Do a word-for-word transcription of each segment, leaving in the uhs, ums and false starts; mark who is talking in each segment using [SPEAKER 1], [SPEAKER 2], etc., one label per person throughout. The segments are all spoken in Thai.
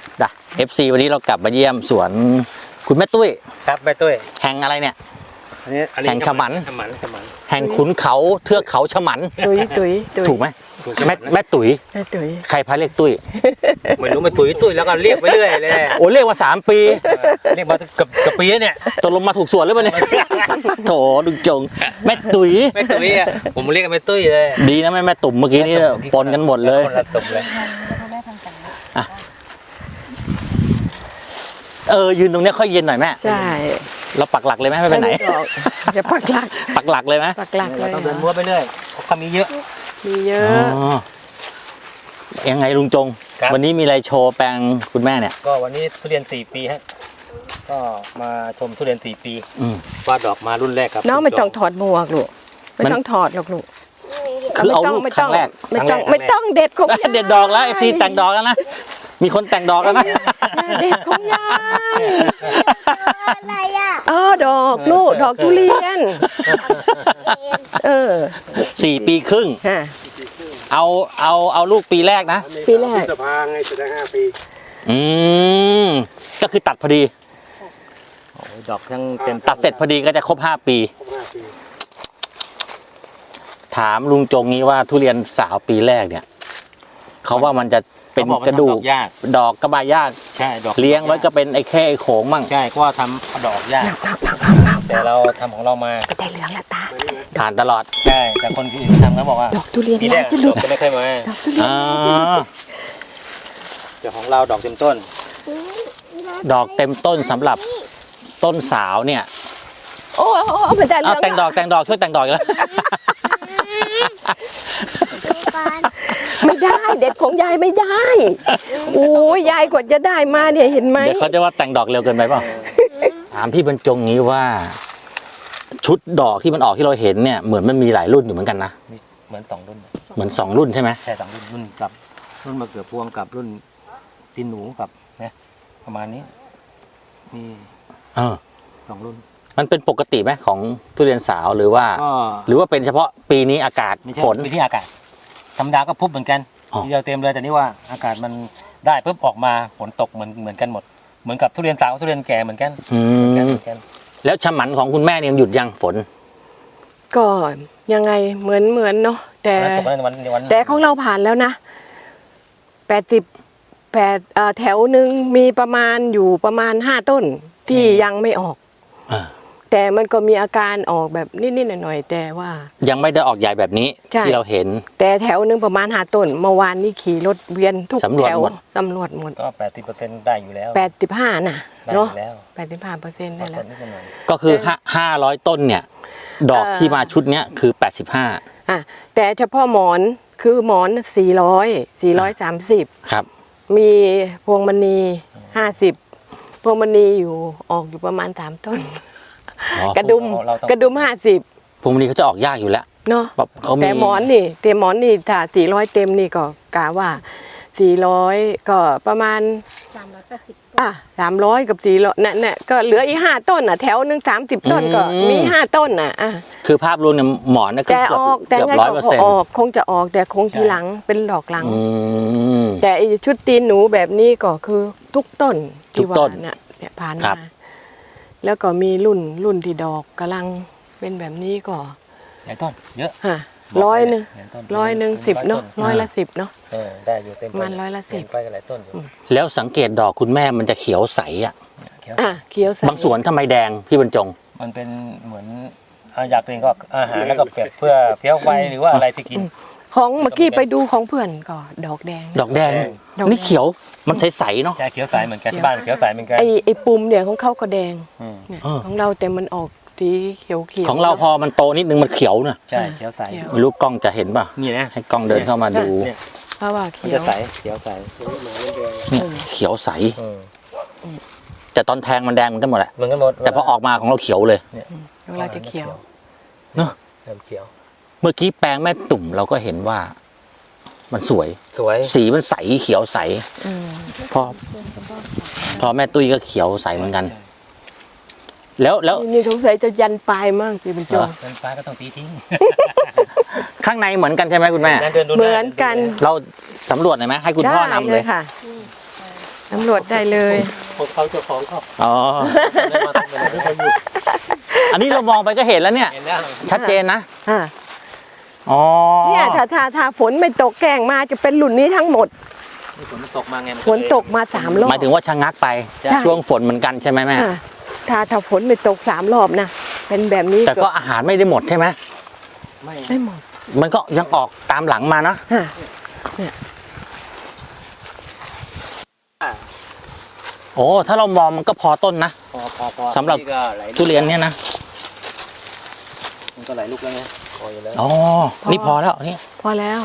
[SPEAKER 1] จ้ะ เอฟ ซี วันนี้เรากลับมาเยี่ยมสวนคุณแม่ตุ้ย
[SPEAKER 2] ครับแม่ตุ้ย
[SPEAKER 1] แห่งอะไรเนี่ยแห่งฉมัน
[SPEAKER 2] ฉมันฉมัน
[SPEAKER 1] แห่งขุนเขาเทือกเขาฉมัน
[SPEAKER 3] ตุ้ยตุ้ย
[SPEAKER 1] ถูกไหมแม่แม่ตุ้ย
[SPEAKER 3] แม่ตุ้ย
[SPEAKER 1] ใครพาเรียกตุ้ย
[SPEAKER 2] ไม่รู้แม่ตุ้ยตุ้ยแล้วก็เรียกไปเรื่อยเลย
[SPEAKER 1] โอ้เรียกมาสามปี
[SPEAKER 2] เรียกมาเกือบเกือบปีเนี่ย
[SPEAKER 1] ตกลงมาถูกส่วนหรือเปล่าเนี่ยโถดุจงแม่ตุ้ย
[SPEAKER 2] แม่ตุ้ยอะผมเรียกกันแม่ตุ้ยเลย
[SPEAKER 1] ดีนะแม่แม่ตุ่มเมื่อกี้นี่ปนกันหมดเลย
[SPEAKER 2] คนละตุ่มเลย
[SPEAKER 1] เออยืนตรงนี้ค่อยเย็นหน่อยแม่
[SPEAKER 3] ใช่
[SPEAKER 1] เราปักหลักเลยไหมไม่ไปไหน
[SPEAKER 3] จะปักหลัก
[SPEAKER 1] ปักหลักเลยไหม
[SPEAKER 3] ปักหลักเลย
[SPEAKER 2] ต้องเดินมัวไปเรื่อยเขามีเยอะ
[SPEAKER 3] มีเยอะ
[SPEAKER 1] ยังไงลุงจงวันนี้มีอะไรโชว์แปลงคุณแม่เนี่ย
[SPEAKER 2] ก็วันนี้ทุเรียนสี่ปีฮะก็มาชมทุเรียนสี่ปีว่าดอกมารุ่นแรกครับ
[SPEAKER 3] น้องไม่ต้องถอดหมวกลูกไม่ต้องถอดหรอกลูก
[SPEAKER 1] คือเอาลูกครั้งแรก
[SPEAKER 3] ไม่ต้องไม่ต้องเด็ดของ
[SPEAKER 1] เด็ดดอกแล้วเอฟซีแต่งดอกแล้วนะมีคนแต่งดอกแล้วนะ
[SPEAKER 3] เด็ดของยายอะไรอ่ะอ๋อดอกลูกดอกทุเรียนเออ
[SPEAKER 1] สี่ปีครึ่งเอาเอาเอาลูกปีแรกนะ
[SPEAKER 3] ปีแรก
[SPEAKER 4] สภาไงจะได้ห้าปี
[SPEAKER 1] อืมก็คือตัดพอดี
[SPEAKER 2] ดอกทั้งเต็ม
[SPEAKER 1] ตัดเสร็จพอดีก็จะครบห้าปีถามลุงจงนี้ว่าทุเรียนสาวปีแรกเนี่ยเขาว่ามันจะเป็นกระดูกดอกกระบายยาก
[SPEAKER 2] ใช่ดอก
[SPEAKER 1] เลี้ยงไว้ก็เป็นไอ้แค่ไอ้โขงมั่ง
[SPEAKER 2] ใช่ก็ทำดอกยากแต่เราทำของเรามา
[SPEAKER 3] ก็ได้เหลืองละตา
[SPEAKER 1] ผ่านตลอด
[SPEAKER 2] ใช่แต่คนที่ทำเขาบอกว่า
[SPEAKER 3] ดอกทุเรียนยากจะหลุด
[SPEAKER 2] ไม่เคยมา
[SPEAKER 3] ดอกทุเรียน
[SPEAKER 2] แต่ของเราดอกเต็มต้น
[SPEAKER 1] ดอกเต็มต้นสำหรับต้นสาวเนี่ย
[SPEAKER 3] โอ้โอ้มันจะเหลือง
[SPEAKER 1] แต่งดอกแต่งดอกช่วยแต่งดอกแล้ว
[SPEAKER 3] ไม่ได้เด็ดของยายไม่ได้โอ้ยยายกว่าจะได้มาเนี่ยเห็นไหม
[SPEAKER 1] เดี๋ยวเขาจะว่าแต่งดอกเร็วเกินไปเปล่าถามพี่บรรจงนี้ว่าชุดดอกที่มันออกที่เราเห็นเนี่ยเหมือนมันมีหลายรุ่นอยู่เหมือนกันนะ
[SPEAKER 2] เหมือนสองรุ่น
[SPEAKER 1] เหมือนสองรุ่นใช่ไหม
[SPEAKER 2] ใช่สองรุ่นรุ่นกับรุ่นมะเขือพวงกับรุ่นตีนหนูกับเนี่ยประมาณนี้นี่
[SPEAKER 1] เออ
[SPEAKER 2] สองรุ่น
[SPEAKER 1] มันเป็นปกติไหมของทุเรียนสาวหรือว่าหรือว่าเป็นเฉพาะปีนี้อากาศฝน
[SPEAKER 2] ปีที่อากาศธรรมดาก็พุบเหมือนกันทีเดียวเต็มเลยแต่นี่ว่าอากาศมันได้ปุ๊บออกมาฝนตกเหมือนเหมือนกันหมดเหมือนกับทุเรียนสาวทุเรียนแก่เหมือนกัน
[SPEAKER 1] แล้วฉมันของคุณแม่เนี่ยหยุดยังฝน
[SPEAKER 3] ก็ยังไงเหมือนเหมือนเนาะแต่แต่ของเราผ่านแล้วนะแปดสิบแปดแถวหนึ่งมีประมาณอยู่ประมาณห้าต้นที่ยังไม่ออกแต่มันก็มีอาการออกแบบนิดๆหน่อยๆแต่ว่า
[SPEAKER 1] ยังไม่ได้ออกใหญ่แบบนี้ที่เราเห็น
[SPEAKER 3] แต่แถวนึงประมาณห้าต้นเมื่อวานนี้ขี่รถเวียนทุกแถวตำรวจหมด
[SPEAKER 2] ก็แปดสิบเปอร์เซ็นต์ได้อยู่แล้ว
[SPEAKER 3] แปดสิบห้าน่ะเนาะแปดสิบห้าเปอร์เซ็นต์ได้แล้ว
[SPEAKER 1] ก็คือห้าร้อยต้นเนี่ยดอกที่มาชุดเนี้ยคือแปดสิบห้า
[SPEAKER 3] อ่ะแต่เฉพาะหมอนคือหมอนสี่ร้อยสี่ร้อยสามสิบ
[SPEAKER 1] ครับ
[SPEAKER 3] มีพวงมณีห้าสิบพวงมณีอยู่ออกอยู่ประมาณสามต้นกระดุมกระดุมห้าสิบ
[SPEAKER 1] พวงมณีเขาจะออกยากอยู่แล้ว
[SPEAKER 3] เนาะแต่หมอนนี่เต็มหมอนนี่ถ้าสี่ร้อยเต็มนี่ก็กะว่าสี่ร้อยก็ประมาณสามร้อยแปดสิบอ่ะสามร้อยกับสี่ร้อยนั่นน่ะก็เหลืออีกห้าต้นอ่ะแถวหนึ่งสามสิบต้นก็มีห้าต้นอ่ะอ่ะ
[SPEAKER 1] คือภาพรวมเนี่ยหมอนเนี่ยเกือบเกือบร้อยเปอร์เซ็นต์
[SPEAKER 3] ออกคงจะออกแต่คงทีหลังเป็นดอกหลังแต่ชุดตีนหนูแบบนี้ก็คือทุกต้นที่ว่าเนี่ยเนี่ยผ่านมาแล้วก็มีรุ่นรุ่นที่ดอกกำลังเป็นแบบนี้ก็
[SPEAKER 2] หลายต้นเยอะ
[SPEAKER 3] ฮะร้อยหนึ่งร้อยหนึ่งสิบเนาะร้อยละสิบเนาะ
[SPEAKER 2] ได้อยู่เต็ม
[SPEAKER 3] มันร้อยละสิบ
[SPEAKER 2] ไปกันหลายต้น
[SPEAKER 1] แล้วสังเกตดอกคุณแม่มันจะเขียวใสอ่ะ
[SPEAKER 3] อ่ะเขียวใส
[SPEAKER 1] บางสวนทำไมแดงพี่บรรจง
[SPEAKER 2] มันเป็นเหมือนอยากเป็นก็อาหารแล้วก็เเพื่อเพี้ยวไฟหรือว่าอะไรที่กิน
[SPEAKER 3] ของเมื่อกี้ไปดูของเพื่อนก็ดอกแดง
[SPEAKER 1] ดอกแดงนี่เขียวมันใสๆเนาะ
[SPEAKER 2] ใช่เขียวใสเหมือนกันที่บ้านเขียวใสเหมือนกัน
[SPEAKER 3] ไอไอปุ่มเนี่ยของเขาก็แดงของเราแต่มันออกสีเขียวเขียว
[SPEAKER 1] ของเราพอมันโตนิดนึงมันเขียวเนอะ
[SPEAKER 2] ใช่เขียวใส
[SPEAKER 1] ไม่รู้กล้องจะเห็นป่ะ
[SPEAKER 2] นี่นะ
[SPEAKER 1] ให้กล้องเดินเข้ามาดู
[SPEAKER 3] เพราะว่าเขียว
[SPEAKER 2] ใสเขียวใส
[SPEAKER 1] เขียวใสแต่ตอนแทงมันแดงเหมือนกันหมดแหละ
[SPEAKER 2] เหมือนกันหมด
[SPEAKER 1] แต่พอออกมาของเราเขียวเลย
[SPEAKER 3] ของเราจะเขียว
[SPEAKER 1] เนอะ
[SPEAKER 2] เขียว
[SPEAKER 1] เมื่อกี้แปลงแม่ตุ่มเราก็เห็นว่ามันสวย
[SPEAKER 2] สวย
[SPEAKER 1] สีมันใสเขียวใสพอพอแม่ตุ้ยก็เขียวใสเหมือนกันแล้วแล้ว
[SPEAKER 3] นี่สงสัยจะยันปลายมากสิเป็นจง
[SPEAKER 2] ยันปลายก็ต้องตีทิ้ง
[SPEAKER 1] ข้างในเหมือนกันใช่ไหมคุณแม่
[SPEAKER 3] เหมือนกัน
[SPEAKER 1] เราสำรวจหน่อยไหมให้คุณพ่อนำเลย
[SPEAKER 3] ค่ะสำรวจได้เลย
[SPEAKER 2] ของเขาเจ้าของเขา
[SPEAKER 1] อ๋อ อันนี้เรามองไปก็เห็นแล้วเนี่ย
[SPEAKER 2] เห็นแล้ว
[SPEAKER 1] ชัดเจนนะ
[SPEAKER 3] อ่า
[SPEAKER 1] อ๋อ
[SPEAKER 3] เนี่ยถ้าถ้าถ้าฝนไม่ตกแกล้งมาจะเป็นหลุนนี้ทั้งหมด
[SPEAKER 2] ฝนมันตกมาไง
[SPEAKER 3] ฝนตกมาสามรอบ
[SPEAKER 1] หมายถึงว่าชะงักไป
[SPEAKER 3] ใช่
[SPEAKER 1] ช่วงฝนเหมือนกันใช่ไหมแม่
[SPEAKER 3] อ่าถ้าถ้าฝนไม่ตกสามรอบนะเป็นแบบนี้
[SPEAKER 1] แต่ก็อาหารไม่ได้หมดใช่ไหม
[SPEAKER 2] ไม่
[SPEAKER 3] ได้หมด
[SPEAKER 1] มันก็ยังออกตามหลังมานะ
[SPEAKER 3] อ่า
[SPEAKER 1] โอ้ ถ้าเรามองมันก็พอต้นนะ
[SPEAKER 2] พอพอพอ
[SPEAKER 1] สำหรับ
[SPEAKER 2] นี่ก็ไหลลูก
[SPEAKER 1] ทุเรียนเนี่ยนะ
[SPEAKER 2] มันก็ไหลลูกแล้วไงพออยู่แล้ว
[SPEAKER 1] อ๋อ นี่พอแล้วนี่
[SPEAKER 3] พอแล้ว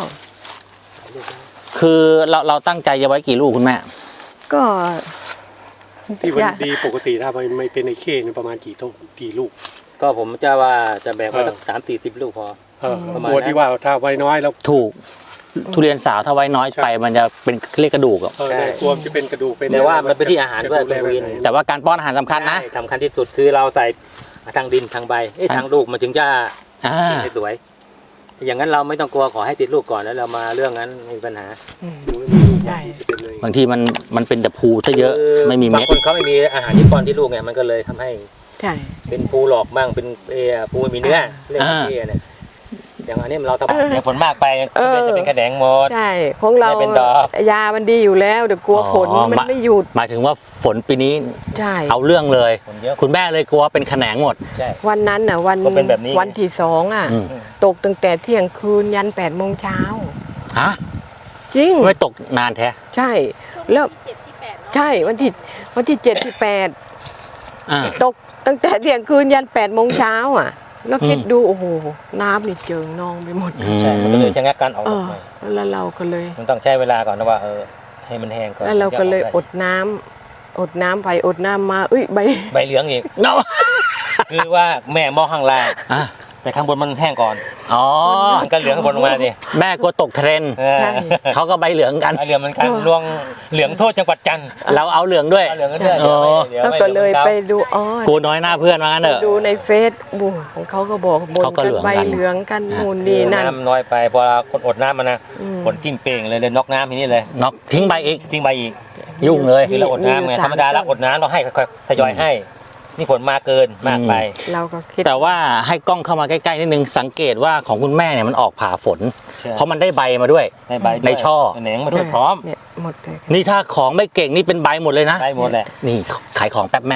[SPEAKER 1] คือเราเราตั้งใจจะไว้กี่ลูกคุณแม่
[SPEAKER 3] ก็
[SPEAKER 4] ที่มัน
[SPEAKER 3] อย่า
[SPEAKER 4] ดีปกติถ้ามันไม่เป็นไอเคเนี่ยประมาณกี่ต้นกี่ลูก
[SPEAKER 2] ก็ผมจะว่าจะแบ่งไว้
[SPEAKER 4] เออ
[SPEAKER 2] สักสามสี่สิบลูกพอ
[SPEAKER 4] เออ
[SPEAKER 2] ประมาณ
[SPEAKER 4] ตัว
[SPEAKER 2] นั้น
[SPEAKER 4] ที่ว่าถ้าไว้น้อยแล้ว
[SPEAKER 1] ถูก ทุเรียนสาวถ้าไว้น้อยไป มันจะเป็นเรียกกระดูกอะ
[SPEAKER 4] เออในตัวมันจะเป็นกระดูกเป็น
[SPEAKER 2] แต่ว่ามันเป็นที่อาหารด้วย
[SPEAKER 4] จะดูแล
[SPEAKER 2] คุณวิน
[SPEAKER 4] แบบไห
[SPEAKER 1] แต่ว่าการป้อนอาหารสำคัญนะ
[SPEAKER 2] ใช่สำคัญที่สุดคือเราใส่ทางดินทางใบเอ้ย
[SPEAKER 1] ทาง
[SPEAKER 2] ทางลูกมันถึงจะ
[SPEAKER 1] อ่า
[SPEAKER 2] สวย อย่างนั้นเราไม่ต้องกลัวขอให้ติดลูกก่อนแล้วเรามาเรื่องนั้นไม่มีปัญหา
[SPEAKER 3] อืม
[SPEAKER 4] ดูแล้วมัน
[SPEAKER 3] ใช่
[SPEAKER 4] จะเป็นเลย
[SPEAKER 1] บางทีมันมันเป็นแต่ภูซะเยอะ
[SPEAKER 2] คือ
[SPEAKER 1] ไม่มี
[SPEAKER 2] บา
[SPEAKER 1] เม็
[SPEAKER 2] ง
[SPEAKER 1] ด
[SPEAKER 2] คนเขาไม่มีอาหารที่ป้อนที่ลูกไงมันก็เลยทำให้
[SPEAKER 3] ใช่
[SPEAKER 2] เป็นภูหลอกบ้างเป็นเออภูไม่มีเนื้อเรื่องที่เนี่ยอย่างอันนี้เราทำอย่างผลมากไปจะเป็นกระแดงหมด
[SPEAKER 3] ใช่ของเรา
[SPEAKER 2] ไม่เป็นดอก
[SPEAKER 3] ยามันดีอยู่แล้วแต่กลัวฝนมันไม่หยุด
[SPEAKER 1] หมายถึงว่าฝนปีนี้
[SPEAKER 3] ใช่
[SPEAKER 1] เอาเรื่องเลย
[SPEAKER 2] ผลเยอะ
[SPEAKER 1] คุณแม่เลยกลัวเป็นแขนงหมด
[SPEAKER 2] ใช่
[SPEAKER 3] วันนั้นน่ะวัน
[SPEAKER 2] ก็เป็นแบบนี้
[SPEAKER 3] วันที่สองอ่ะ
[SPEAKER 1] อืม
[SPEAKER 3] ตกตั้งแต่เที่ยงคืนยันแปดโมงเช้า
[SPEAKER 1] ฮะ
[SPEAKER 3] จริง
[SPEAKER 1] ไม่ตกนานแท้
[SPEAKER 3] ใช่ แล้วใช่วันที่วันที่เจ็ดที่แปด
[SPEAKER 1] อ่า
[SPEAKER 3] ตกตั้งแต่เที่ยงคืนยันแปดโมงเช้าอ่ะ แล้วคิด
[SPEAKER 1] อืม
[SPEAKER 3] ดูโอ้โหน้ำนี่เจิงนองไปหมด
[SPEAKER 1] อืม
[SPEAKER 2] ใช่มันก็เลยชะงักการออก
[SPEAKER 3] เอ
[SPEAKER 2] ดอก
[SPEAKER 3] อ
[SPEAKER 2] ใหม่
[SPEAKER 3] แล้วเราก็เลย
[SPEAKER 2] มันต้องใช้เวลาก่อนนะว่าเออให้มันแห้งก่อน
[SPEAKER 3] แล้วเราก็เลย
[SPEAKER 2] ถึงจะ
[SPEAKER 3] อ
[SPEAKER 2] ได้
[SPEAKER 3] ดน้ำอดน้ำไปอดน้ำมาเอ้ยใบ
[SPEAKER 2] ใบเหลืองอีก
[SPEAKER 1] เนาะ
[SPEAKER 2] คือว่าแม่มองข้างล่าง
[SPEAKER 1] อ่ะ
[SPEAKER 2] แต่ข้างบนมันแห้งก่อน
[SPEAKER 1] อ๋อ
[SPEAKER 2] มันก็เหลืองข้างบนลงมาดิ
[SPEAKER 1] แม่กลัวตกเทรนด์
[SPEAKER 2] เออ
[SPEAKER 3] ใช่
[SPEAKER 1] เขาก็ใบเหลืองกัน
[SPEAKER 2] เอาเหลืองเหมันกันลวงเหลืองโทษจังหวัดจันทร์
[SPEAKER 1] เราเอาเหลืองด้วย
[SPEAKER 2] เอาเหลืองกันด้วย
[SPEAKER 1] โอ้
[SPEAKER 2] เดี๋ยว
[SPEAKER 3] แล้ว
[SPEAKER 2] ไม่
[SPEAKER 3] ก็
[SPEAKER 2] ดี๋ว
[SPEAKER 3] เลย
[SPEAKER 2] มัน
[SPEAKER 3] ไป
[SPEAKER 2] ก้า
[SPEAKER 3] ดูอ๋อ
[SPEAKER 1] กูน้อยหน้าเพื่อนว่างั้นเถอะ
[SPEAKER 3] ดูในเฟซบูของเขาก็บอกบน
[SPEAKER 1] เขาก็
[SPEAKER 3] กั
[SPEAKER 1] เหลื
[SPEAKER 3] น
[SPEAKER 1] อง
[SPEAKER 3] ใบ
[SPEAKER 1] กัน
[SPEAKER 3] เหลืองกัน
[SPEAKER 1] อ่า
[SPEAKER 3] นู่นนี่นั่น
[SPEAKER 2] น้ำน้อยไปพอคนอดน้ำมันนะ
[SPEAKER 3] อืม
[SPEAKER 2] ผลจิ้มเป่งเลยเลยน็อกน้ำทีนี้เลย
[SPEAKER 1] น็อกทิ้งใบอีก
[SPEAKER 2] ทิ้งใบอีก
[SPEAKER 1] ยุ่งเลย
[SPEAKER 2] คือเราอดน้ำไง
[SPEAKER 3] มีอยู่
[SPEAKER 2] ธรรมดา
[SPEAKER 3] สาม
[SPEAKER 2] เรา
[SPEAKER 3] ต้น
[SPEAKER 2] อดน้ำเราให้ค่อยๆทยอยให้ นี่ผลมาเกินมากไป
[SPEAKER 3] เราก็คิด
[SPEAKER 1] แต่ว่าให้กล้องเข้ามาใกล้ๆนิดนึงสังเกตว่าของคุณแม่เนี่ยมันออกผ่าฝน
[SPEAKER 2] ใช่
[SPEAKER 1] เพราะมันได้ใบมาด้วย
[SPEAKER 2] ในใบด้วย
[SPEAKER 1] ในช่อ
[SPEAKER 2] แหนงมาด้วยพร้อม
[SPEAKER 3] เนี่ยหมดเลย
[SPEAKER 1] นี่ถ้าของไม่เก่งนี่เป็นใบหมดเลยนะ
[SPEAKER 2] ได้หมดแหละ
[SPEAKER 1] นี่ขายของแป๊บแม่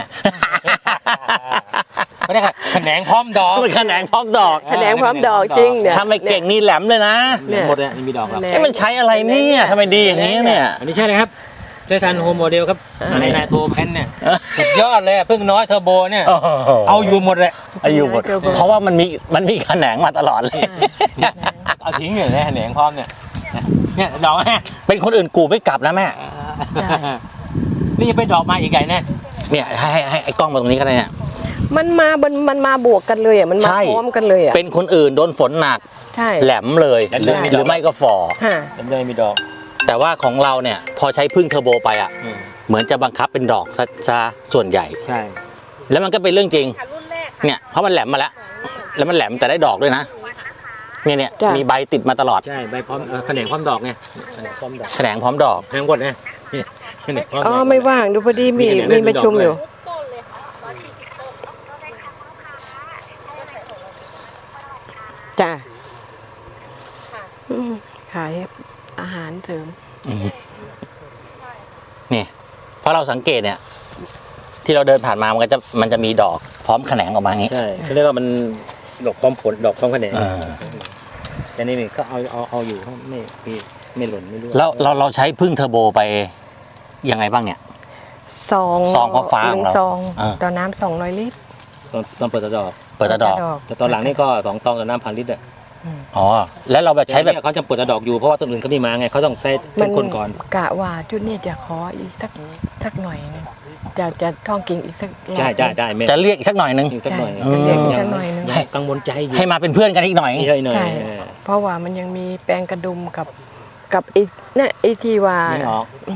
[SPEAKER 2] ไม่ได้ค่ะแขนงพร้อมดอก
[SPEAKER 1] มันแขนงพร้อมดอก
[SPEAKER 3] แขนงพร้อมดอกจริงเนี่ย
[SPEAKER 1] ถ้าไม่เก่งนี่แหลมเลยนะ
[SPEAKER 3] เนี่ย
[SPEAKER 2] หมดเนี่ยไม่มีดอกหรอก
[SPEAKER 3] แหนง
[SPEAKER 1] เอ้มันใช้อะไรเนี่ยทำไมดีอย่างนี้เนี่ย
[SPEAKER 2] อันนี้ใช่เลยครับใช้ซันโฮมโมเดลครับ
[SPEAKER 3] อ่า
[SPEAKER 2] ในไนโตรแพนเนี่ยสุดยอดเลยอะพึ่งน้อยเทอร์โบเนี่ย
[SPEAKER 1] โอ้โห
[SPEAKER 2] เอาอยู่หมดเลย
[SPEAKER 1] เอาอยู่หมด เพราะว่ามันมีมันมีแขนงมาตลอดเลย
[SPEAKER 2] เอาทิ้งอยู่เลยแหนงพร้อมเนี่ยเนี่ยดอกแม่
[SPEAKER 1] เป็นคนอื่นกูไม่กลับนะแม่
[SPEAKER 2] นี่ยังเป็นดอกมาอีกใหญ่แน่
[SPEAKER 1] เนี่ยให้ให้ให้ไอ้กล้องมาตรงนี้ก็ได้เนี่ย
[SPEAKER 3] มันมาบนมันมาบวกกันเลยอ่ะมันมา
[SPEAKER 1] ใช่
[SPEAKER 3] พร้อมกันเลยอ่ะ
[SPEAKER 1] เป็นคนอื่นโดนฝนหนัก
[SPEAKER 3] ใช่
[SPEAKER 1] แหลมเลยหรือหรือไม่ก็ฝ่อ
[SPEAKER 3] ฮะ
[SPEAKER 2] ยังไม่มีดอก
[SPEAKER 1] แต่ว่าของเราเนี่ยพอใช้พึ่งเทอร์โบไปอ่ะ
[SPEAKER 2] อืม
[SPEAKER 1] เหมือนจะบังคับเป็นดอกซะซะส่วนใหญ่
[SPEAKER 2] ใช่
[SPEAKER 1] แล้วมันก็เป็นเรื่องจริง เนี่ยเพราะมันแหลมมาแล้ว แล้วมันแหลมแต่ได้ดอกด้วยนะ เนี่ยเนี่ยมีใบติดมาตลอด
[SPEAKER 2] ใช่ใบพร้อมเออแขนงพร้อมดอกไงแขนงพร้อมดอก
[SPEAKER 1] แขนงพร้อมดอก
[SPEAKER 2] แขนงหมดไงนี่แขนงพร้อมด
[SPEAKER 3] อ๋
[SPEAKER 2] อ
[SPEAKER 3] อก ไม่ว่างดูพอดีมี
[SPEAKER 2] มีแขนง
[SPEAKER 3] มีประชุมอยู่ จ้ะอืมขายอาหารเสริม
[SPEAKER 1] นี่เพราะเราสังเกตเนี่ย ที่เราเดินผ่านมามันก็จะมันจะมีดอกพร้อมแขนงออกมาอย่างนี้
[SPEAKER 2] ใช่เขาเรียกว่ามันดอกพร้อมผลดอกพร้อมแขนง
[SPEAKER 1] เออ
[SPEAKER 2] แต่นี่นี่ก็เอาเอาเอาอยู่ไม่ไม่ไม่หล่นไม่ร่วง
[SPEAKER 1] แล้วเราเราใช้พึ่งเทอร์โบไปยังไงบ้างเนี่ย
[SPEAKER 3] ซอง
[SPEAKER 1] ซองฟ้าๆ
[SPEAKER 3] ห
[SPEAKER 1] ของ
[SPEAKER 3] นึ่ง
[SPEAKER 1] เรา
[SPEAKER 3] ซอง
[SPEAKER 1] อ่า
[SPEAKER 3] ต่อน้ำสองร้อยลิตร
[SPEAKER 2] ตอนตอนเปิดตะดอก
[SPEAKER 1] เปิดแต่ดอก
[SPEAKER 2] แต่ตอนหลังนี่ก็สองซองต่อน้ำพันลิตรอ่ะ
[SPEAKER 1] อ๋อแล้วเราแบบใช้แบบ
[SPEAKER 2] ต่เขาจะเปิดตะดอกอยู่เพราะว่าต้นอื่นเขาไม่มาไงเขาต้องใช้เป็นคนก่อน
[SPEAKER 3] กะว่าจุดนี้จะขออีกสักสักหน่อยหนึงจะจะท่องกิ่งอีกสักรอบ
[SPEAKER 2] ใช่ได้ได้แม่
[SPEAKER 1] จะเรียกอีกสักหน่อยนึง
[SPEAKER 2] อีกสักหน่อย
[SPEAKER 3] ใช่จะเรียกอีกสักหน่อยหนึง
[SPEAKER 2] ยังกังวลใจอยู่
[SPEAKER 1] ให้มาเป็นเพื่อนกันอีกหน่อย
[SPEAKER 2] นี่ให้หน่อย
[SPEAKER 3] ใช่
[SPEAKER 2] เออ
[SPEAKER 3] เพราะว่ามันยังมีแปลงกระดุมกับกับไอ้เนี่ยไอ้ที่ว่า
[SPEAKER 2] นี่ออก
[SPEAKER 3] อืม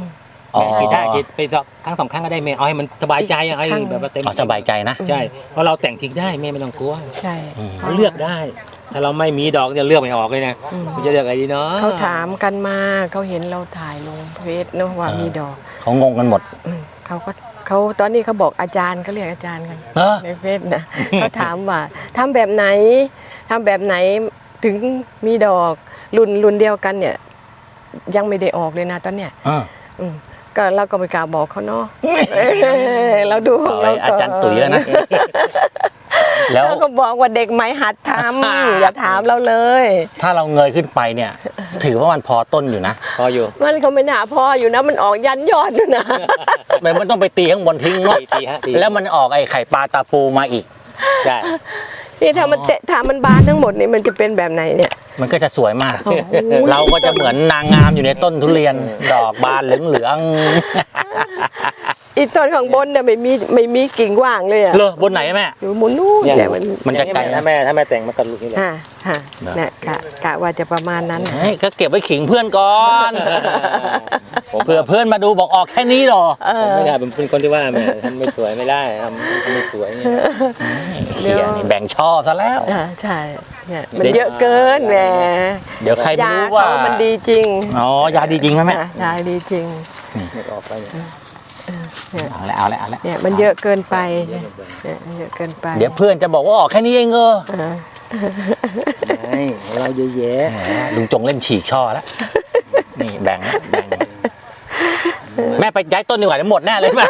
[SPEAKER 1] อ๋อ
[SPEAKER 2] ฉีดได้ฉีดไปสองครั้งสองครั้งก็ได้แม่เอาให้มันสบายใจอะเอาให้แบบว่าเต็ม
[SPEAKER 1] อ๋อสบายใจนะ
[SPEAKER 2] ใช่เพราะเราแต่งทิ้งได้แม่ไม่ต้องกลัว
[SPEAKER 3] ใช่
[SPEAKER 1] อืม
[SPEAKER 2] เราเลือกได้ ถ้าเราไม่มีดอกจะเลือกไม่ออกเลยนะ
[SPEAKER 3] อืม
[SPEAKER 2] คุณจะเลือกอะไรดีเนาะ
[SPEAKER 3] เขาถามกันมาเขาเห็นเราถ่ายลงเฟซเนอะว่ามีดอก
[SPEAKER 1] เขางงกันหมด
[SPEAKER 3] อืมเขาก็เขาตอนนี้เขาบอกอาจารย์เขาเรียกอาจารย์กัน
[SPEAKER 1] เออ
[SPEAKER 3] ในเฟซนะ เขาถามว่าทำแบบไหนทำแบบไหนถึงมีดอกรุ่นรุ่นเดียวกันเนี่ย ยังไม่ได้ออกเลยนะตอนเนี้ย
[SPEAKER 1] อ่า
[SPEAKER 3] อืมก็เราก็ไม่กล้าบอกเขาเนาะ เราดูของ
[SPEAKER 1] เอา
[SPEAKER 3] เรา
[SPEAKER 1] ไว้อาจารย์ตุ๋ยแล้วนะ แล้ว
[SPEAKER 3] เราก็บอกว่าเด็กไหมหัดทำ อย่าถามเราเลย
[SPEAKER 1] ถ้าเราเงยขึ้นไปเนี่ย ถือว่ามันพอต้นอยู่นะ
[SPEAKER 2] พออยู่
[SPEAKER 3] มันเขาไม่น่าพออยู่นะมันออกยันยอดด้วยนะ
[SPEAKER 1] มันมันต้องไปตีข้างบนทิ้งเนาะ
[SPEAKER 2] ตีตีฮะตี
[SPEAKER 1] แล้วมันออกไอ้ไข่ปลาตาปูมาอีก
[SPEAKER 2] ใช่
[SPEAKER 3] นี่ถ้ามันเตะถ้ามันบานทั้งหมดนี่มันจะเป็นแบบไหนเนี่ย
[SPEAKER 1] มันก็จะสวยมาก
[SPEAKER 3] โอ้โห
[SPEAKER 1] เราก็จะเหมือนนางงามอยู่ในต้นทุเรียน ดอกบานเหลือง
[SPEAKER 3] อีต้นข้างบนเนี่ยไม่มีไม่มีกิ่งว่างเลยอะ
[SPEAKER 1] ๆเลอบนไหนแม่
[SPEAKER 3] อยู่มุนนู่น
[SPEAKER 2] เนี่ย
[SPEAKER 3] เนี่ยมัน
[SPEAKER 1] มันจะไกล
[SPEAKER 2] ถ้า
[SPEAKER 1] นะ
[SPEAKER 2] แม่ถ้าแม่แต่งมากับลูกนี่แหละ
[SPEAKER 3] ฮะฮะเนี่ยกะกะว่าจะประมาณนั้นน่ะ
[SPEAKER 1] เฮ้ยก็เก็บไว้ขิงเพื่อนก่อนเผื่อเพื่อนมาดูบอกออกแค่นี้เหรอ
[SPEAKER 2] ผมไม่ได้ผมเป็นคนที่ว่าแม่ทำไม่สวยไม่ได้ทำทำไม่สวยเนี่ย
[SPEAKER 1] เขียนี่แบ่งชอบซะแล้ว
[SPEAKER 3] อ่าใช่เนี่ยมันเยอะเกินแหม
[SPEAKER 1] เดี๋ยวใครไม่
[SPEAKER 3] ยา
[SPEAKER 1] รู้
[SPEAKER 3] เขา
[SPEAKER 1] ว่า
[SPEAKER 3] มันดีจริง
[SPEAKER 1] อ๋อยาดีจริงไหมแม่
[SPEAKER 3] อ่ะยาดีจริง
[SPEAKER 2] ไม่ออกไปเนี่ย
[SPEAKER 1] เอาละเอาละเอาละ
[SPEAKER 3] เนี่ยมันเยอะเกินไปเนี่ยมันเยอะเกินไป
[SPEAKER 1] เดี๋ยวเพื่อนจะบอกว่าออกแค่นี้เองเออ
[SPEAKER 3] อ่า
[SPEAKER 2] ไม่เราเยอะแยะ
[SPEAKER 1] แหมลุงจงเล่นฉีกช่อแล้วนี่แบ่งแล้วแบ่งแม่ไปย้ายต้นดีกว่าเดี๋ยวหมดแน่เลยแม่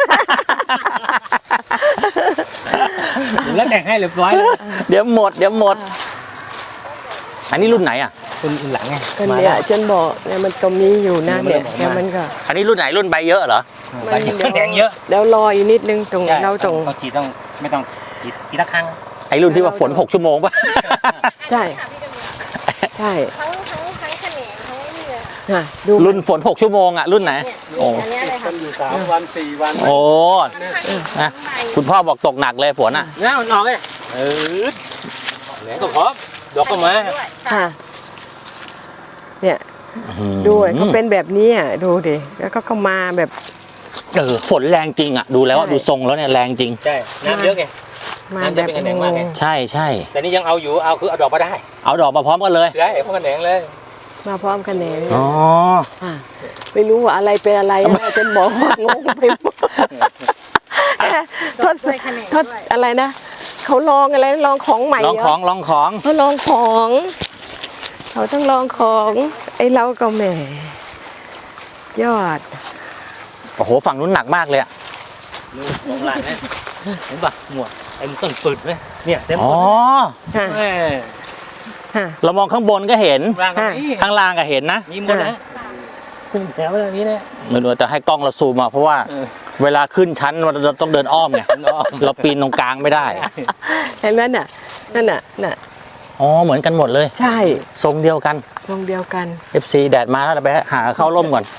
[SPEAKER 2] แล้วแต่งให้เรียบร้อยแล้ว
[SPEAKER 1] เดี๋ยวหมดเดี๋ยวหมด อันนี้รุ่นไหนอ่ะ
[SPEAKER 2] คุณหลังไง
[SPEAKER 3] ก็เนี่ยจนบอกเนี่ยมันก็มีอยู่นะเนี่ยแต่มันก็
[SPEAKER 1] อันนี้รุ่นไหนรุ่นใบเยอะเหรอ
[SPEAKER 2] ไปแดงเยอะ
[SPEAKER 3] แล้วรออีกนิดนึงตรงเราตรง
[SPEAKER 2] ต้องฉีดต้องไม่ต้องฉีดทีละครั้ง
[SPEAKER 1] ไอ้รุ่นที่ว่าฝนหกชั่วโมงป่ะ
[SPEAKER 3] ใช่ใช่
[SPEAKER 5] ทั้งทั้งทั้งแขนงทั้งนี่เลย
[SPEAKER 3] อ่ะดู
[SPEAKER 1] รุ่นฝนหกชั่วโมงอ่ะรุ่นไหน โอ้
[SPEAKER 5] อันเนี้ยเลย
[SPEAKER 4] มั
[SPEAKER 5] ค่ะ
[SPEAKER 4] นอยู่สามวันสี่วัน
[SPEAKER 1] โอ้นะคุณพ่อบอกตกหนักเลยฝนอ่ะ
[SPEAKER 2] แล้วมันออกเลยเออแหลงก็พร้อมดอกก็มา
[SPEAKER 3] ค่ะเนี่ยด้วยเขาเป็นแบบนี้อ่ะดูดิแล้วก็เข้ามาแบบ
[SPEAKER 1] เออฝนแรงจริงอ่ะดูแล้วอะ
[SPEAKER 3] ใช่
[SPEAKER 1] ดูทรงแล้วเนี่ยแรงจริง
[SPEAKER 2] ใช่น้ำเยอะไง
[SPEAKER 3] มา
[SPEAKER 2] มัน
[SPEAKER 3] แบ
[SPEAKER 2] จะ
[SPEAKER 3] บ
[SPEAKER 2] เป็นคะแนนมากไง
[SPEAKER 1] ใช่ใช่
[SPEAKER 2] แต่นี่ยังเอาอยู่เอาคือเอาดอกมาได้
[SPEAKER 1] เอาดอกมาพร้อมกันเลย
[SPEAKER 2] ใช่พวกคะแนนเลย
[SPEAKER 3] มาพร้อมกันแหนง
[SPEAKER 1] อ๋อ
[SPEAKER 3] อ่ะไม่รู้ว่าอะไรเป็นอะไรนะจนบอกว่างงไปหมดทดทดอะไรนะเขาลองอะไรลองของใหม่
[SPEAKER 1] ลอง
[SPEAKER 3] เหร
[SPEAKER 1] ของลองของ
[SPEAKER 3] เขาลองของเขาต้องลองของไอ้เราก็แหมยอด
[SPEAKER 1] โอ้โหฝั่งนู้นหนักมากเลยอะ
[SPEAKER 2] นู่นของหลานนะเห็นปะหมวดเต็มต้นปืดไหมเนี่ยเต็ม
[SPEAKER 1] อ๋
[SPEAKER 2] ต้
[SPEAKER 1] อน
[SPEAKER 3] ฮะ
[SPEAKER 2] แม่
[SPEAKER 3] ฮะ
[SPEAKER 1] เรามองข้างบนก็เห็น
[SPEAKER 2] ร่างกันนี่
[SPEAKER 1] ข้างล่างก็เห็นนะ
[SPEAKER 2] มีหมดนะขึ้นแถวแบบนี้นะ
[SPEAKER 1] ไม่รู้จะให้กล้องเราซูมมาเพราะว่า
[SPEAKER 2] เออ
[SPEAKER 1] เวลาขึ้นชั้นเราต้องเดินอ้อมไงเราปีนตรงกลางไม่ได้
[SPEAKER 3] เห็นไหมน่ะนั่นน่ะน่ะ
[SPEAKER 1] อ๋อเหมือนกันหมดเลย
[SPEAKER 3] ใช่
[SPEAKER 1] ทรงเดียวกัน
[SPEAKER 3] วงเดียวกัน
[SPEAKER 1] เอฟ ซี แดดมาแล้วเราไปหาเข้าร่มก่อน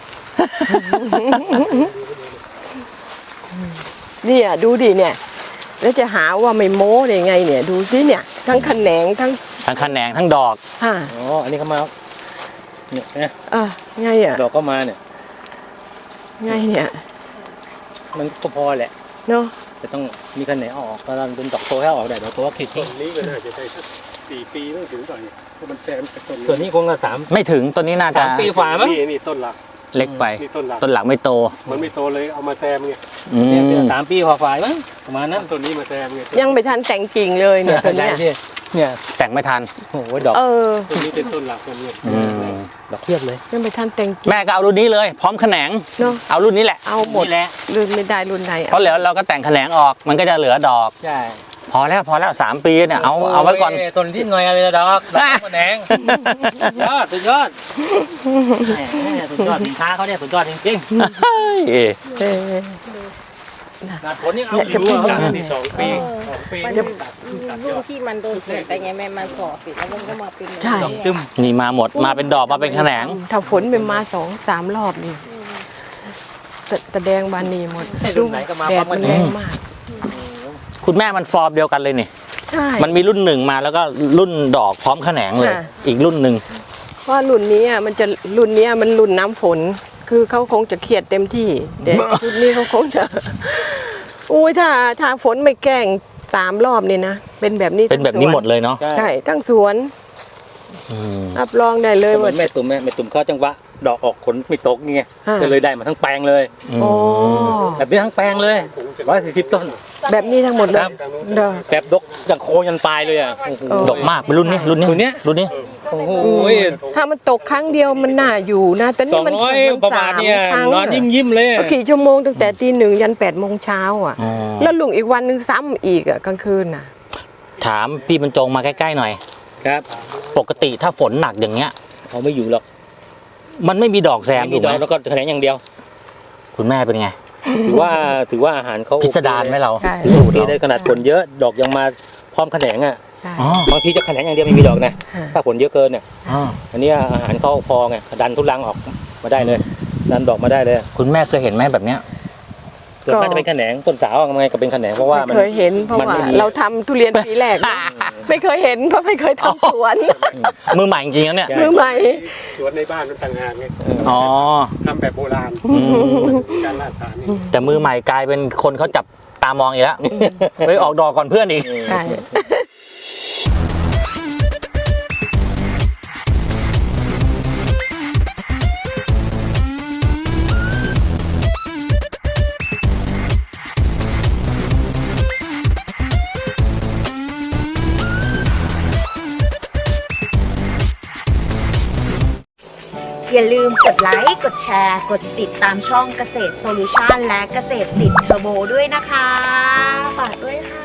[SPEAKER 3] เนี่ยดูดิเนี่ยแล้วจะหาว่าไม่โม้ได้ไงเนี่ย ดูสิเนี่ย ทั้งแขนงทั้ง
[SPEAKER 1] ทั้งแขนงทั้งดอก
[SPEAKER 3] ฮะ
[SPEAKER 2] อ๋ออันนี้เขามาเนี่ยนะ
[SPEAKER 3] เออไงอ่ะ
[SPEAKER 2] ดอกก็มาเนี่ย
[SPEAKER 3] ไงเนี่ย
[SPEAKER 2] มันก็พอแหละ
[SPEAKER 3] เนาะ
[SPEAKER 2] จะต้องมีคะแนนออกก็ต้องเป็นดอกโตให้ออกได้ดอกโตก็ขีด
[SPEAKER 4] ต้นนี้ก็น่าจะได้สักสี่ปีต้องถึงก่อนเนี่ยเพราะมันแซมกับต้น
[SPEAKER 2] ส่วนนี้คงจะสาม
[SPEAKER 1] ไม่ถึงต้นนี้น่าจะ
[SPEAKER 2] สามปีฝ่ามั้ง
[SPEAKER 4] นี่นี่ต้นหลัก
[SPEAKER 1] เล็กไป
[SPEAKER 4] นี่ต้นหลัก
[SPEAKER 1] ต้นหลักไม่โต
[SPEAKER 4] มันไม่โตเลยเอามาแซมไง
[SPEAKER 1] อื
[SPEAKER 2] เนี่ย
[SPEAKER 1] ม
[SPEAKER 2] สามปีฝ่าฝ่ายมั้งประมาณนั้น
[SPEAKER 4] ต้นนี้มาแซมไง
[SPEAKER 3] ยังไม่ทันแต่งกิ่งเลยเนี่ยตัวเนี้ย
[SPEAKER 2] ได้เนี่ย
[SPEAKER 1] แต่งไม่ทัน
[SPEAKER 2] โอ้โหดอก
[SPEAKER 3] เออ
[SPEAKER 4] ต้นนี้เป็นต้นหลักมันเนี่ย
[SPEAKER 1] อืม
[SPEAKER 2] ดอกเพียบเลย
[SPEAKER 3] ยังไม่ทันแต่งกิ่ง
[SPEAKER 1] แม่ก็เอารุ่นนี้เลย พร้อมแขนง
[SPEAKER 3] เนาะ
[SPEAKER 1] เอารุ่นนี้แหละ
[SPEAKER 3] เอาหมด
[SPEAKER 2] นี่แหละ
[SPEAKER 3] รุ่นไม่ได้รุ่นไหน
[SPEAKER 1] เพราะแล้วเราก็แต่งแขนงออก มันก็จะเหลือดอก
[SPEAKER 2] ใช่
[SPEAKER 1] พอแล้วพอแล้วสามปีเนี่ยเอาเอาไว้ก่อน
[SPEAKER 2] โยต้นที่หน่อยอะไรละดอกดอกคะแนนยอดสุดยอดแหม่สุดยอดสินค้าเขาเนี่ยสุดยอดจริง
[SPEAKER 1] เฮ้ย
[SPEAKER 3] เออ
[SPEAKER 2] ๆหนาผลยังเอา
[SPEAKER 3] เนี่ย
[SPEAKER 2] อ
[SPEAKER 3] จะ
[SPEAKER 2] ยู่
[SPEAKER 3] พูด
[SPEAKER 2] อะ
[SPEAKER 4] จากที่สองปีสองปี
[SPEAKER 5] มัน
[SPEAKER 4] นี่
[SPEAKER 5] ลูกที่มันโดนเสียไปไงแม่มันฝ่อเสร็จแล้วมันก็มาเป็น
[SPEAKER 3] ใช่
[SPEAKER 2] ดอกตึม
[SPEAKER 1] นี่มาหมดมาเป็นดอกมาเป็นแขนง
[SPEAKER 3] ถ้าฝนเป็นมาสองสามรอบนี่แสแสดงบานนีหมดดูแดดมันแรงมาก
[SPEAKER 1] คุณแม่มันฟอร์มเดียวกันเลยนี่
[SPEAKER 3] ใช่
[SPEAKER 1] มันมีรุ่นหนึ่งมาแล้วก็รุ่นดอกพร้อมแขนงเลย
[SPEAKER 3] ค่ะ
[SPEAKER 1] อีกรุ่นหนึ่ง
[SPEAKER 3] เพราะรุ่นนี้อ่ะมันจะรุ่นเนี้ยมันรุ่นน้ำฝนคือเขาคงจะเครียดเต็มที่แต่ชุดนี้เขาคงจะอุ้ยถ้าถ้าฝนไม่แกล้งสามรอบนี่นะเป็นแบบนี้
[SPEAKER 1] เป็นแบบนี้หมดเลยเนาะ
[SPEAKER 3] ใช่ทั้งสวน
[SPEAKER 1] อืม
[SPEAKER 3] รับรองได้เลย
[SPEAKER 2] เหมื
[SPEAKER 3] ว่า
[SPEAKER 2] อนแม่ตุ่มแม่แม่ตุ่มเขาจังหวะดอกออกผลไม่ตกไง
[SPEAKER 3] อ่า
[SPEAKER 2] ก็เลยได้มาทั้งแปลงเลย
[SPEAKER 3] โอ้
[SPEAKER 2] แบบนี้ทั้งแปลงเลยร้อยสี่สิบต้น
[SPEAKER 3] แบบนี้ทั้งหมดเลย
[SPEAKER 2] ครับ
[SPEAKER 3] เด้อ
[SPEAKER 2] แบบดกอย่างโคนยันปลายเลยอ่ะโอ้โห
[SPEAKER 3] เออ
[SPEAKER 1] ดกมากเป็นรุ่นนี้รุ่นนี้
[SPEAKER 2] รุ่นเนี้ย
[SPEAKER 1] รุ่นนี้
[SPEAKER 2] โอ้โห
[SPEAKER 3] ถ้ามันตกครั้งเดียวมันน่าอยู่นะแต่
[SPEAKER 2] ส
[SPEAKER 3] นี่
[SPEAKER 2] อง
[SPEAKER 3] มัน
[SPEAKER 2] ร้อย
[SPEAKER 3] มัน
[SPEAKER 2] ประมาณเนี่ย
[SPEAKER 3] สครั้ง
[SPEAKER 2] นอนยิ้มยิ้มๆเลย
[SPEAKER 3] ก็กี่ชั่วโมงตั้งแต่ตีหนึ่งยันแปดโมงเช้าอ่ะ
[SPEAKER 1] อ๋อ
[SPEAKER 3] แล้วลุงอีกวันหนึ่งซ้ำอีกอ่ะกลางคืนน่ะ
[SPEAKER 1] ถามพี่บรรจงมาใกล้ๆหน่อย
[SPEAKER 2] ครับ
[SPEAKER 1] ปกติถ้าฝนหนักอย่างเงี้ย
[SPEAKER 2] เขาไม่อยู่หรอก
[SPEAKER 1] มันไม่มีดอกแซม
[SPEAKER 2] ไม่
[SPEAKER 1] ถู
[SPEAKER 2] มี
[SPEAKER 1] ก
[SPEAKER 2] ด
[SPEAKER 1] ไห
[SPEAKER 2] อ
[SPEAKER 1] ม
[SPEAKER 2] กแล้วก็แขนงอย่างเดียว
[SPEAKER 1] คุณแม่เป็นไง
[SPEAKER 2] ถือว่าถือว่าอาหารเขา
[SPEAKER 1] พิสดารไหมเรา
[SPEAKER 3] ใช่
[SPEAKER 1] สู
[SPEAKER 2] สู
[SPEAKER 1] ต
[SPEAKER 2] ต
[SPEAKER 1] ร
[SPEAKER 2] ร
[SPEAKER 1] เรา
[SPEAKER 2] ได้ขนาดผลเยอะดอกยังมาพร้อมแขนงอ่ะ
[SPEAKER 3] ใช่
[SPEAKER 1] อ๋อบ
[SPEAKER 2] างทีจะแขนงอย่างเดียวไม่มีดอกนะ
[SPEAKER 3] ค่ะ
[SPEAKER 2] ถ้าผลเยอะเกินเนี่ย
[SPEAKER 1] อ๋อ
[SPEAKER 2] อันนี้อาหารเขาพอไงดันทุลังออกมาได้เลย ดันดอกมาได้เลย
[SPEAKER 1] คุณแม่เคยเห็นไหมแบบเนี้ย
[SPEAKER 2] ส่วนมากจะเป็นแขนงต้นสาวยังไงก็เป็นแขนงเพราะว่ามัน
[SPEAKER 3] ไม่เคยเห็นเพราะ
[SPEAKER 2] มัน
[SPEAKER 3] ว่า
[SPEAKER 2] ไม่มี
[SPEAKER 3] เราทำทุเรียนปีแรกนะไม่เคยเห็นเพราะไม่เคยทำสวน
[SPEAKER 1] มือใหม่จริงๆนะเนี่ย
[SPEAKER 2] ใช่
[SPEAKER 3] มือใหม่
[SPEAKER 4] สวนในบ้านมันต่างหากไง
[SPEAKER 1] อ๋อ
[SPEAKER 4] ทำแบบโบราณ
[SPEAKER 1] อืม
[SPEAKER 4] การล่าสารนี่
[SPEAKER 1] แต่มือใหม่กลายเป็นคนเขาจับตามองอีกแล้วไปออกดอกก่อนเพื่อนอีก
[SPEAKER 3] ใช่
[SPEAKER 6] อย่าลืมกดไลค์ กดแชร์ กดติดตามช่องเกษตรโซลูชันและเกษตรติดเทอร์โบด้วยนะคะ ฝากด้วยค่ะ